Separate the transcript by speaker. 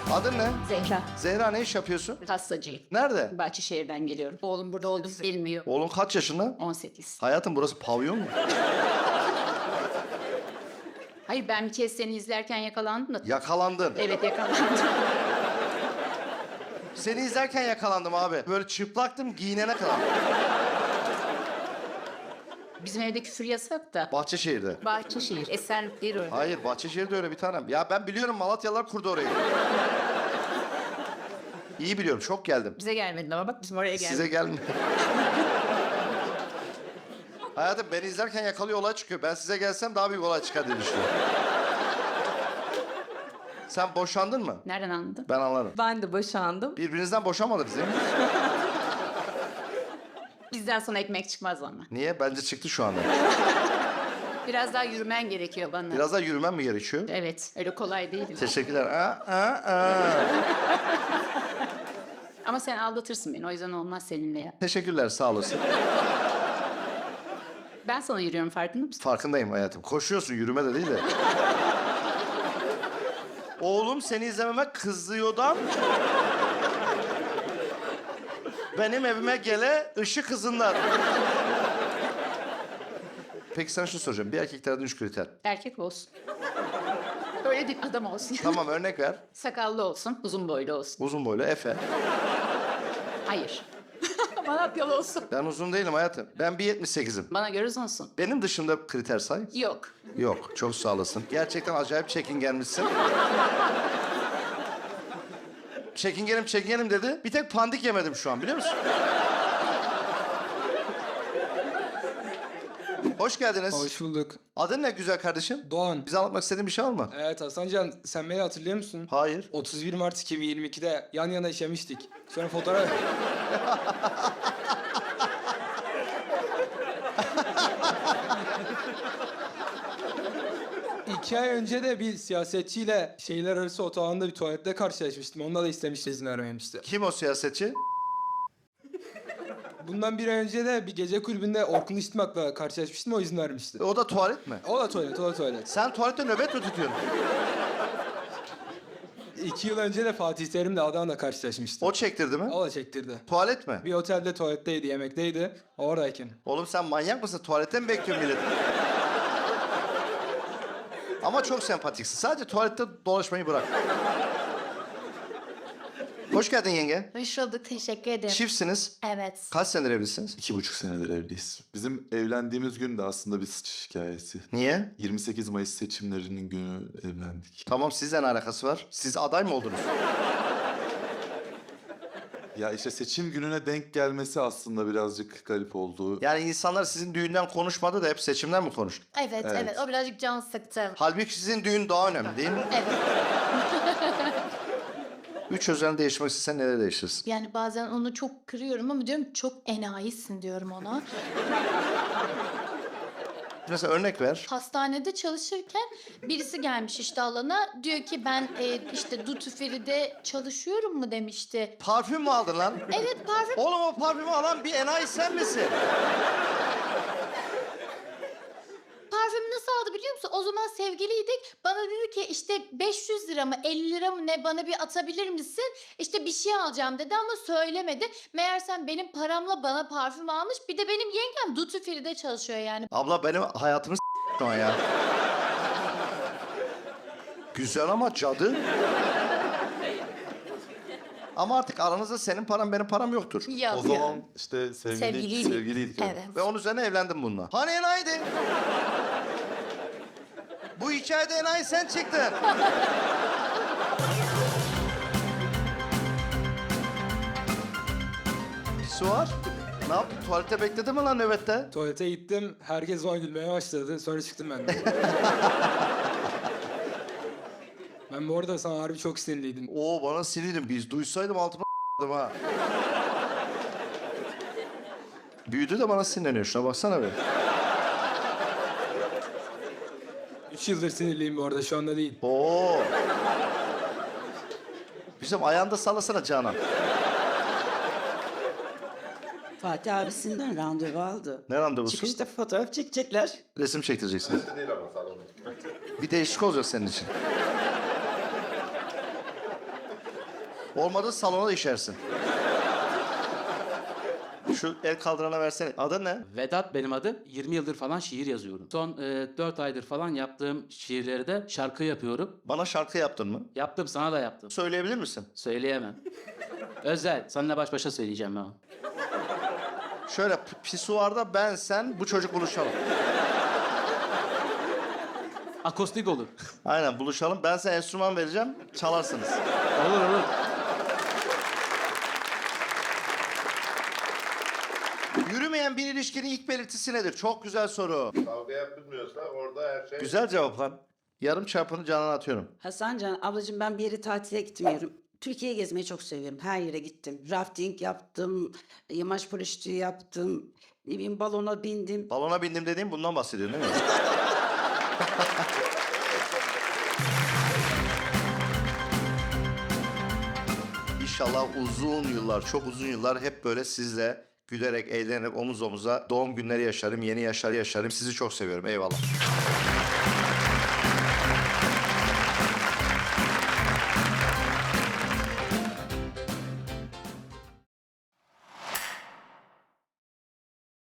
Speaker 1: Adın ne?
Speaker 2: Zehra.
Speaker 1: Zehra, ne iş yapıyorsun?
Speaker 2: Hastacıyım.
Speaker 1: Nerede?
Speaker 2: Bahçeşehir'den geliyorum. Oğlum burada olduğunu bilmiyor.
Speaker 1: Oğlun kaç yaşında?
Speaker 2: 18.
Speaker 1: Hayatım, burası pavyon mu?
Speaker 2: Hayır, ben bir kez seni izlerken yakalandım da.
Speaker 1: Yakalandın.
Speaker 2: Evet, yakalandım.
Speaker 1: Seni izlerken yakalandım abi. Böyle çıplaktım giyinene kadar.
Speaker 2: Bizim evde küfür yasak da.
Speaker 1: Bahçeşehir'de.
Speaker 2: Bahçeşehir, Esenlikleri.
Speaker 1: Hayır, Bahçeşehir'de öyle bir tanem. Ya ben biliyorum, Malatyalılar kurdu orayı. İyi biliyorum, çok geldim.
Speaker 2: Bize gelmedin ama bak bizim oraya geldik.
Speaker 1: Size gelmiyor. Hayatım, beni izlerken yakalıyor, olay çıkıyor. Ben size gelsem daha büyük olay çıkar diye düşünüyorum. Sen boşandın mı?
Speaker 2: Nereden anladın?
Speaker 1: Ben anlarım.
Speaker 3: Ben de boşandım.
Speaker 1: Birbirinizden boşanmadınız değil mi?
Speaker 2: Bizden sonra ekmek çıkmaz ama.
Speaker 1: Niye? Bence çıktı şu anda.
Speaker 2: Biraz daha yürümen gerekiyor bana.
Speaker 1: Biraz daha yürümem mi gerekiyor?
Speaker 2: Evet, öyle kolay değil.
Speaker 1: Teşekkürler.
Speaker 2: Ama sen aldatırsın beni, o yüzden olmaz seninle ya.
Speaker 1: Teşekkürler, sağ olasın.
Speaker 2: Ben sana yürüyorum, farkında mısın?
Speaker 1: Farkındayım hayatım. Koşuyorsun, yürüme de değil de. Oğlum seni izlememe kızıyordan... benim evime gele ışık hızından. Peki sana şunu soracağım. Bir erkeklerden 3 kriter.
Speaker 2: Erkek olsun. Öyle değil, adam olsun.
Speaker 1: Tamam, örnek ver.
Speaker 2: Sakallı olsun, uzun boylu olsun.
Speaker 1: Uzun boylu Efe.
Speaker 2: Hayır. Malatyalı olsun.
Speaker 1: Ben uzun değilim hayatım. Ben 1.78'im.
Speaker 2: Bana göre uzunsun.
Speaker 1: Benim dışında kriter say.
Speaker 2: Yok.
Speaker 1: Yok, çok sağ olasın. Gerçekten acayip çekingenmişsin. Çekingenim dedi. Bir tek pandik yemedim şu an, biliyor musun? Hoş geldiniz.
Speaker 4: Hoş bulduk.
Speaker 1: Adın ne güzel kardeşim?
Speaker 4: Doğan.
Speaker 1: Bize anlatmak istediğin bir şey var mı?
Speaker 4: Evet Hasancan, sen beni hatırlıyor musun?
Speaker 1: Hayır.
Speaker 4: 31 Mart 2022'de yan yana işemiştik. Sonra fotoğraf... 2 ay önce de bir siyasetçiyle şehirler arası otobanda bir tuvalette karşılaşmıştım. Onunla da istemişti izin vermemişti.
Speaker 1: Kim o siyasetçi?
Speaker 4: Bundan bir ay önce de bir gece kulübünde Orkun İşitmak'la karşılaşmıştım. O izin vermişti.
Speaker 1: O da tuvalet mi?
Speaker 4: O da tuvalet.
Speaker 1: Sen tuvalette nöbet mi tutuyorsun?
Speaker 4: 2 yıl önce de Fatih Terim'le Adana'da karşılaşmıştım.
Speaker 1: O çektirdi mi?
Speaker 4: O da çektirdi.
Speaker 1: Tuvalet mi?
Speaker 4: Bir otelde tuvaletteydi, yemekteydi. Oradayken.
Speaker 1: Oğlum sen manyak mısın? Tuvalette mi bekliyorsun millet? Ama çok sempatiksin. Sadece tuvalette dolaşmayı bırak. Hoş geldin yenge.
Speaker 5: Hoş bulduk, teşekkür ederim.
Speaker 1: Çiftsiniz.
Speaker 5: Evet.
Speaker 1: Kaç senedir evlisiniz?
Speaker 6: 2,5 senedir evliyiz. Bizim evlendiğimiz gün de aslında bir sıçış hikayesi.
Speaker 1: Niye?
Speaker 6: 28 Mayıs seçimlerinin günü evlendik.
Speaker 1: Tamam, sizle ne alakası var? Siz aday mı oldunuz?
Speaker 6: Ya işte seçim gününe denk gelmesi aslında birazcık garip oldu.
Speaker 1: Yani insanlar sizin düğünden konuşmadı da hep seçimden mi konuştu?
Speaker 5: Evet, o birazcık can sıktı.
Speaker 1: Halbuki sizin düğün daha önemli değil mi?
Speaker 5: Evet.
Speaker 1: 3 özelliğini değiştirmek istesen neler değiştirirsin?
Speaker 5: Yani bazen onu çok kırıyorum ama diyorum çok enayisin diyorum ona.
Speaker 1: Mesela örnek ver.
Speaker 5: Hastanede çalışırken birisi gelmiş işte alana. Diyor ki ben işte Duty Free'de çalışıyorum mu demişti.
Speaker 1: Parfüm mü aldın lan?
Speaker 5: Evet parfüm.
Speaker 1: Oğlum o parfümü alan bir enayi sen misin?
Speaker 5: Parfümü nasıl aldı biliyor musun? O zaman sevgiliydik. Bana dedi ki işte 500 lira mı 50 lira mı ne bana bir atabilir misin? İşte bir şey alacağım dedi ama söylemedi. Meğersem benim paramla bana parfüm almış. Bir de benim yengem Duty Free'de çalışıyor yani.
Speaker 1: Abla benim hayatımı s**tin o ya. Güzel ama cadı. Ama artık aranızda senin param benim param yoktur.
Speaker 5: Yok.
Speaker 6: O zaman işte
Speaker 5: Sevgiliydik.
Speaker 6: sevgiliydik.
Speaker 5: Evet.
Speaker 1: Ve onun üzerine evlendim bununla. Hani enayiydi? Bu hikayede enayi sen çıktın. Pisuar. Ne yaptın? Tuvalette bekledin mi lan nöbette?
Speaker 4: Tuvalete gittim, herkes bana gülmeye başladı. Sonra çıktım ben de. Ben bu arada sana harbi çok sinirliydim.
Speaker 1: Oo, bana sinirdim. Biz duysaydım altıma ha. Büyüdü de bana sinirleniyor. Şuna baksana be.
Speaker 4: 3 yıldır sinirliyim bu arada, şu anda değil.
Speaker 1: Oo. Bizim ayağında sallasana Canan.
Speaker 3: Fatih abisinden randevu aldı.
Speaker 1: Ne randevusu?
Speaker 3: Çıkışta fotoğraf çekecekler.
Speaker 1: Resim çektireceksiniz. Bir değişik olacak senin için. Olmadı salona da işersin. Şu el kaldırana versene. Adın ne?
Speaker 7: Vedat benim adım. 20 yıldır falan şiir yazıyorum. Son 4 aydır falan yaptığım şiirleri de şarkı yapıyorum.
Speaker 1: Bana şarkı yaptın mı?
Speaker 7: Yaptım, sana da yaptım.
Speaker 1: Söyleyebilir misin?
Speaker 7: Söyleyemem. Özel, seninle baş başa söyleyeceğim ben.
Speaker 1: Şöyle pisuarda ben, sen, bu çocuk buluşalım.
Speaker 7: Akustik olur.
Speaker 1: Aynen buluşalım. Ben size enstrüman vereceğim. Çalarsınız.
Speaker 7: Olur olur.
Speaker 1: Yürümeyen bir ilişkinin ilk belirtisi nedir? Çok güzel soru.
Speaker 8: Kavga yapılmıyorsa orada her şey...
Speaker 1: Güzel cevap lan. Yarım çarpını canına atıyorum.
Speaker 3: Hasancan ablacığım ben bir yere tatile gitmiyorum. Türkiye'yi gezmeyi çok seviyorum. Her yere gittim. Rafting yaptım, yamaç paraşütü yaptım, ne bileyim balona bindim.
Speaker 1: Balona bindim dediğim bundan bahsediyorsun değil mi? İnşallah uzun yıllar, çok uzun yıllar hep böyle sizle gülerek, eğlenerek omuz omuza doğum günleri yaşarım, yeni yaşlar yaşarım. Sizi çok seviyorum. Eyvallah.